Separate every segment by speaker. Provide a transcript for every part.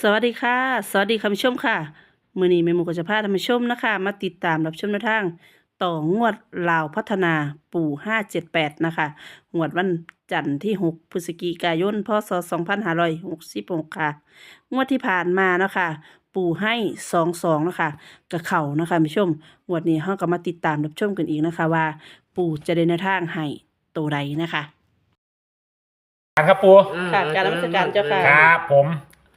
Speaker 1: สวัสดีค่ะสวัสดีคุณผู้ชมค่ะมื้อนี้แม่หมูก็จะพาท่านผู้ชมนะคะมาติดตามรับชมแนวทางต่องวดลาวพัฒนาปู่578นะคะงวดวันจันทร์ที่6พฤศจิกายนพศ2566ค่ะงวดที่ผ่านมาเนาะค่ะปู่ให้22นะคะกับเขานะคะคุณผู้ชมงวดนี้เฮาก็มาติดตามรับชมกันอีกนะคะว่าปู่จะได้แนวทางให้ตัวใดนะคะ
Speaker 2: ครับปู
Speaker 1: ค่ะการนมัสการเจ้าค่ะ
Speaker 2: ครับผม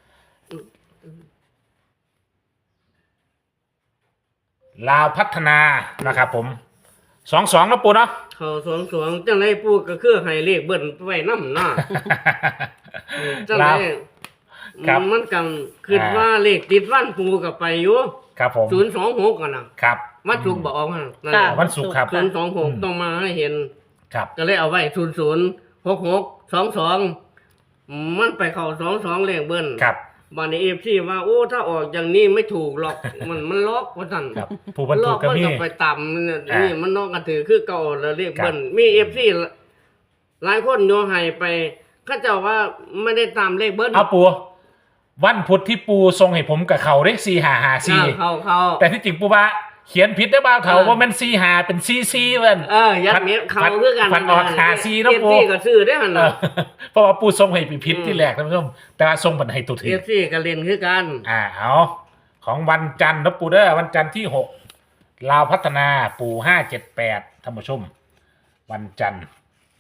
Speaker 2: ลาวพัฒนานะครับผม22นะปูเนาะ
Speaker 3: เขาสองจังไรปูก็คือให้เลขเบิ้ลไว้น้ำหน้าจังไร
Speaker 2: ลาวครับ
Speaker 3: มันกันคือว่าเลขติดวันปูกับไปอยู่
Speaker 2: ครับผม
Speaker 3: 026กันนะครับวันศุกร์บอกนั่นแหละ
Speaker 2: วันศุกร์ครับ
Speaker 3: 026ต้องมาให้เห็น
Speaker 2: ครับ
Speaker 3: ก็เลยเอาไว้006622มันไปเข้า22เลขเบิ้ล
Speaker 2: ครับ
Speaker 3: บานในFCว่าโอ้ถ้าออกอย่างนี้ไม่ถูกหรอกมันล็อกว่าซั่น
Speaker 2: ครับผู้บรร
Speaker 3: ล
Speaker 2: ทุ
Speaker 3: อก ก
Speaker 2: ก็
Speaker 3: มัน
Speaker 2: มี
Speaker 3: ก็ไปต่ำเนี่ย
Speaker 2: อ่านี่
Speaker 3: นี่มันนอกกันถือคือเก่าแล้วเรียก
Speaker 2: ครับ
Speaker 3: เบิ้ลมีFCหลายคนโยให้ไปเขาเจ้าว่าไม่ได้ตามเลขเบิ้ล
Speaker 2: เอาปูวันพุธที่ปูทรงให้ผมกับเขาได้4554
Speaker 3: เขา
Speaker 2: แต่ที่จริงปูว่าเขียนผิดได้บ้างเขาว่ามัน45เป็น44เว้น
Speaker 3: ยัดเม็ดเขาคือกัน
Speaker 2: ฟันออก54นะปู
Speaker 3: FC ก็ซื้อได้หั่น
Speaker 2: เอ
Speaker 3: น่ะ
Speaker 2: อเพราะว่าปูทรงให้ผิดที่แรกท่านผู้ชมแต่ว่าทรงบันให้ตัวถึง
Speaker 3: FC ก็เล่นคือกัน
Speaker 2: เอาของวันจันทร์นะปูเด้อวันจันทร์ที่6ลาวพัฒนาปู578ท่านผู้ชมวันจันทร์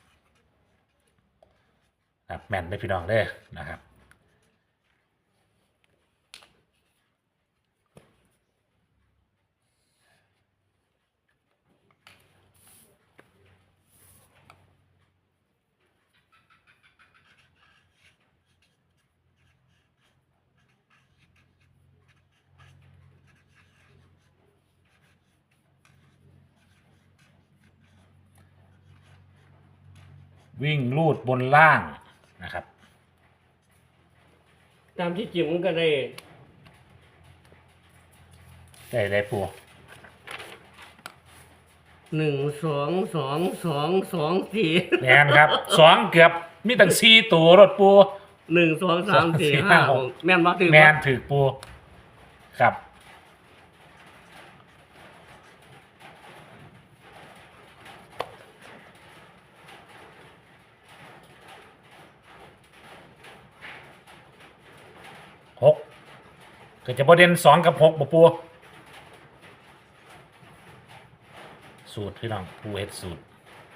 Speaker 2: ครับแม่นได้พี่น้องเด้อนะครับวิ่งลูดบนล่างนะครับ
Speaker 3: ตามที่จริงมันก็ได้
Speaker 2: ได้ปู
Speaker 3: 1 2 2 2 2 4
Speaker 2: แม่นครับ2เกือบมีตั้ง4ตัวรถปู
Speaker 3: 1 2 3 4 5 6แม่นบ่ถือ
Speaker 2: แม่
Speaker 3: บ่
Speaker 2: นถือปูครับ6ก็จะประเด็น2กับ6บ่ปูสูตรพี่น้องปูเฮ็ดสูตร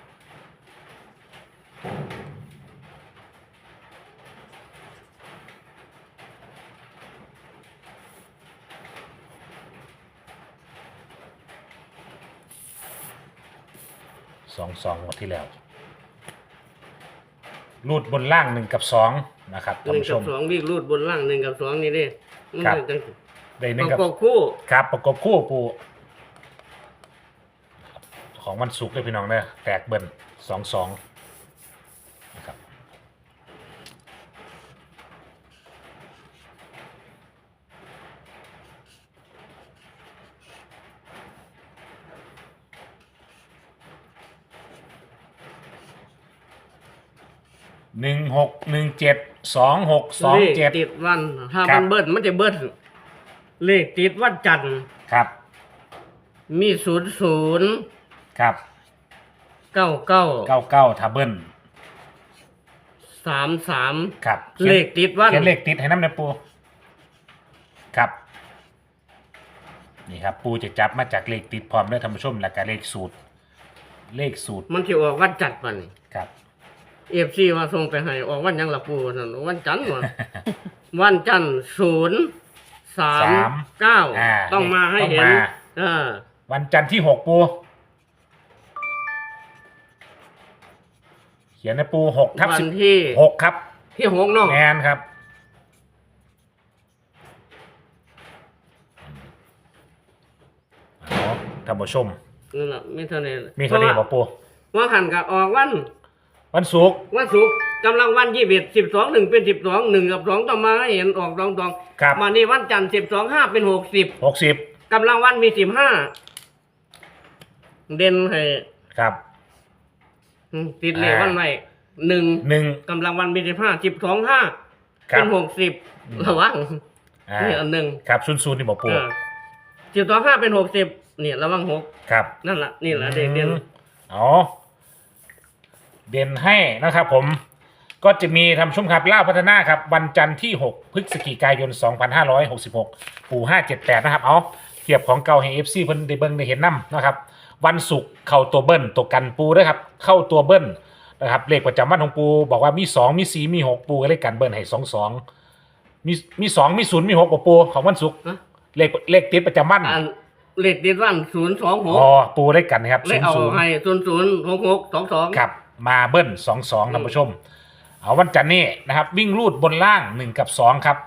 Speaker 2: 2หมดที่แล้วรูดบนล่าง1กับ2นะครับท่านผู้ชม
Speaker 3: 1 กับ 2วิ่งรูดบนล่าง1 กับ 2 นี่เด้
Speaker 2: ครับ
Speaker 3: มันจัง
Speaker 2: ได้
Speaker 3: ป
Speaker 2: 1
Speaker 3: ระ
Speaker 2: กับ
Speaker 3: กบคู่
Speaker 2: ครับประกบคู่ปูของวันศุกร์เลยพี่น้องเนี่ยแตกเบิ้ล2นะครับ16172627
Speaker 3: เลขติดวัน ถ้า
Speaker 2: ครั
Speaker 3: มั
Speaker 2: บ
Speaker 3: นเบิ้ลมันจะเบิ้ลเลขติดวันจันทร์
Speaker 2: ครับ
Speaker 3: มี00
Speaker 2: ครับ
Speaker 3: 99
Speaker 2: ถ้าเบิ้ล
Speaker 3: 33
Speaker 2: ครับ
Speaker 3: เลขติดวัน
Speaker 2: เขียนเลขติดให้น้ำในปูครับนี่ครับปูจะจับมาจากเลขติดพร้อมด้วยท่านผู้ชมและก็เลขสูตร
Speaker 3: มันสิออกวันจันทร์มัน
Speaker 2: ครับ
Speaker 3: FC ว่าส่งไปให้ออกวันหยังล่ะปู่นั่นวันจันทร์ว่ะ วันจันทร์039ต้องมาให้เห็น
Speaker 2: ต้องมา วันจันทร์ที่6ปูเขียนในปู6 ทับ
Speaker 3: วันที่
Speaker 2: 16ครับ
Speaker 3: ที่6เนาะ
Speaker 2: แมนครับเอาท่านผู้ชม
Speaker 3: นั่นล่ะมีเท่านี้
Speaker 2: มีเท่านี้บ่ปู
Speaker 3: ว่าหันก็ออกวัน
Speaker 2: วันศุกร์
Speaker 3: วันศุกร์กำลังวัน21 12 1เป็น12 1กับ2ต้องมาให้เห็นออก2
Speaker 2: ครับ
Speaker 3: มานี่วันจันทร์12 5เป็น60
Speaker 2: 60
Speaker 3: กำลังวันมี15เด่นให้
Speaker 2: ครับ
Speaker 3: ติดเลขวันไว้1
Speaker 2: 1
Speaker 3: กำลังวันมี15 12 5
Speaker 2: ครั
Speaker 3: เป็
Speaker 2: บ
Speaker 3: น60ระวังนี่อันหนึ่ง
Speaker 2: ครับ00นี่บอกปู
Speaker 3: 12.5เป็น60นี่ระวัง6
Speaker 2: ครับ
Speaker 3: นั่นล่ะนี่ล่ะเด็กเด่น
Speaker 2: อ๋อเด่นให้นะครับผมก็จะมีทำชุ่มครับล่าพัฒนาครับวันจันทร์ที่6พฤศจิกายน2566ปู่578นะครับเอาเทียบของเก่าให้ FC เพิ่นได้เบิ่งได้เห็นนํนะครับวันศุกร์เข้าตัวเบิ้ลตัวกันปูด้วยครับเข้าตัวเบิ้ลนะครับเลขประจำวันของปูบอกว่ามี2มี4มี6ปูก็เลขกันเบิ้ลให้22มี2มี0มี6บ่ปูของวันศุกร์
Speaker 3: ฮะ
Speaker 2: เลขติดประจำวัน
Speaker 3: อันเลขติดวัน026
Speaker 2: อ๋อปูเลขกันนะครับ
Speaker 3: เลขเอา
Speaker 2: 00
Speaker 3: ให้006622
Speaker 2: ครับมาเบิ้ล22ท่านผู้ชมเอาวันจันทร์นี้นะครับวิ่งรูดบนล่าง1กับ2ครับ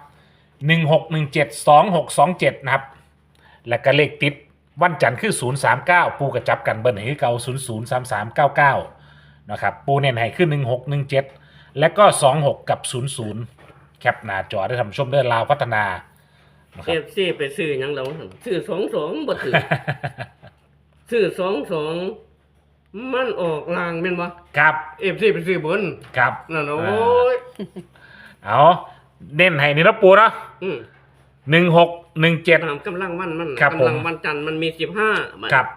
Speaker 2: 1617 2627นะครับและก็เลขติดวันจันทร์คือ039ปูกระจับกันเบิ้ลให้คือเก่า003399นะครับปูเน้นให้ขึ้น1617และก็26กับ00แคปหน้าจอได้ท่านผู้ชมได้ลาวพัฒนานะครับ
Speaker 3: FC ไปซื้อหยังแล้วซื้อ22บ่ถือ ซื้อ22มันออกลางแม่นบ่
Speaker 2: ครับ
Speaker 3: FC ไปซื้อบน
Speaker 2: ครับ
Speaker 3: นั่นน่ะโอ้ย
Speaker 2: เอาเน้นให้นี่นะปูเนาะ
Speaker 3: อืม
Speaker 2: 1617
Speaker 3: ตามกำลังวันมัน
Speaker 2: ครับผม
Speaker 3: กำลังวันจันทร์มันมี15มัน
Speaker 2: ครับ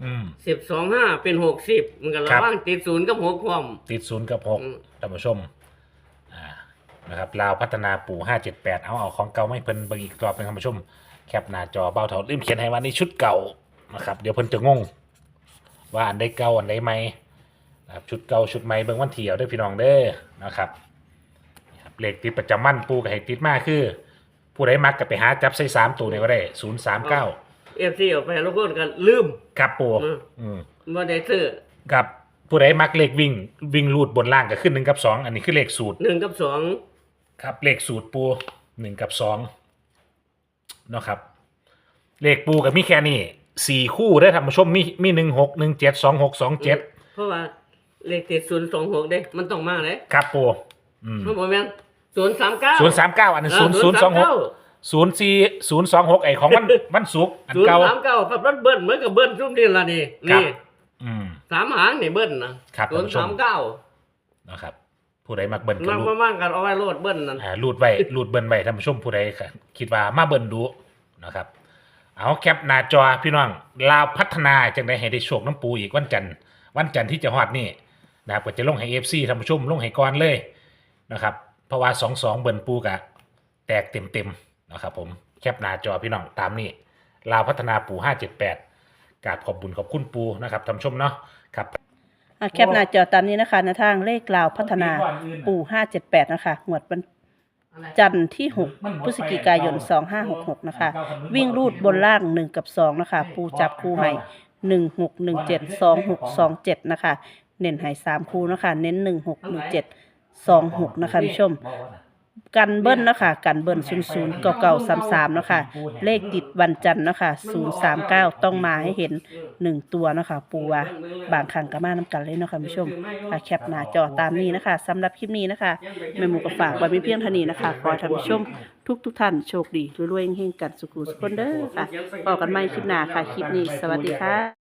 Speaker 3: 12.5เป็น60มันก็
Speaker 2: ครั
Speaker 3: ระ
Speaker 2: บ
Speaker 3: ว่างติด0กับ6พร้อม
Speaker 2: ติด0กับ
Speaker 3: อืม
Speaker 2: 6ท่านผู้ชมนะครับลาวพัฒนาปู่578เอาของเก่าไม่เพิ่นเบิ่งอีกรอบเป็นท่านผู้ชมแคปหน้าจอเบาเท่าลืมเขียนให้ว่านี่ชุดเก่านะครับเดี๋ยวเพิ่นจะงงว่าอันใดเก่าอันใดใหม่นะครับชุดเก่าชุดใหม่เบิ่งวันเที่ยวเด้อพี่น้องเด้อนะครับเลขติดประจำวันปู่ก็ให้ติดมาคือ ผู้ใดมักก็ไปหาจับใส่3ตัวนี่ก็ได้039
Speaker 3: FC ออกไปแล้วก็กันลืม
Speaker 2: ครับปู่
Speaker 3: อืม
Speaker 2: อืม
Speaker 3: บ่ได้ซื้อ
Speaker 2: กับผู้ใดมักเลขวิ่งรูดบนล่างก็ขึ้น1กับ2อันนี้คือเลขสูตร
Speaker 3: 1กับ2
Speaker 2: ครับเลขสูตรปู1กับ2เนาะครับเลขปูกับมีแค่นี้4คู่ได้อท่านผู้ชมมี16 17 26 27
Speaker 3: เพราะว่าเลขติด026เด้มันต้องมาเด้
Speaker 2: ครับปู
Speaker 3: มันบ่แม่น039
Speaker 2: 039อันนี้026 04026ไอ้ของวันศุกร์อันเก่า
Speaker 3: 039ครับรถเบิ้ลเหมือนกับเบิ้ลซุ่มนี่ล่ะนี่
Speaker 2: ครับ
Speaker 3: นี่
Speaker 2: อืม
Speaker 3: 3หางนี่เบิ้ลนะครับ
Speaker 2: ท่านผู้ชม
Speaker 3: 039
Speaker 2: นะครับผู้ใดมักเบิ่นก็
Speaker 3: มัน
Speaker 2: รูด
Speaker 3: ประมาณกันเอาไว้โลดเบิ้ลนั่น
Speaker 2: รูดไว้รูดเบิ่นไว้ท่านผู้ชมผู้ใดคิดว่ามาเบิ่นดูนะครับเอาแคปหน้าจอพี่น้องลาวพัฒนาจังได้ให้ได้โชคน้ำปูอีกวันจันทร์ที่จะฮอดนี่นะครับก็จะลงให้ FC ท่านผู้ชมลงให้ก่อนเลยนะครับเพราะว่า22เบิ่นปูกะแตกเต็มๆนะครับผมแคปหน้าจอพี่น้องตามนี้ลาวพัฒนาปู578กราบขอบบุญขอบคุณปูนะครับท่านผู้ชมเนาะครับ
Speaker 1: แคปหน้าจอตามนี้นะคะในทางเลขลาวพัฒนาปู่578นะคะงวดวันจันทร์ที่6พฤศจิกายน2566นะคะวิ่งรูดบนล่าง1กับ2นะคะปูจับคู่ให้1617 2627นะคะเน้นให้3คู่นะคะเน้น1617 26นะคะผู้ชมกันเบิ้ลนะคะกันเบิ้ล00 9933นะคะเลขติดวันจันทร์นะคะ039ต้องมาให้เห็น1ตัวนะคะปูว่าบางครั้งก็มาน้ำกันเลยเนาะคะผู้ชมแคปหน้าจอตามนี้นะคะสำหรับคลิปนี้นะคะแม่หมูก็ฝากไว้เพียงเท่านี้นะคะขอให้ท่านผู้ชมทุกท่านโชคดีรวยๆเฮงๆกันสุขุสุขคนเด้อค่ะพบกันใหม่คลิปหน้าค่ะคลิปนี้สวัสดีค่ะ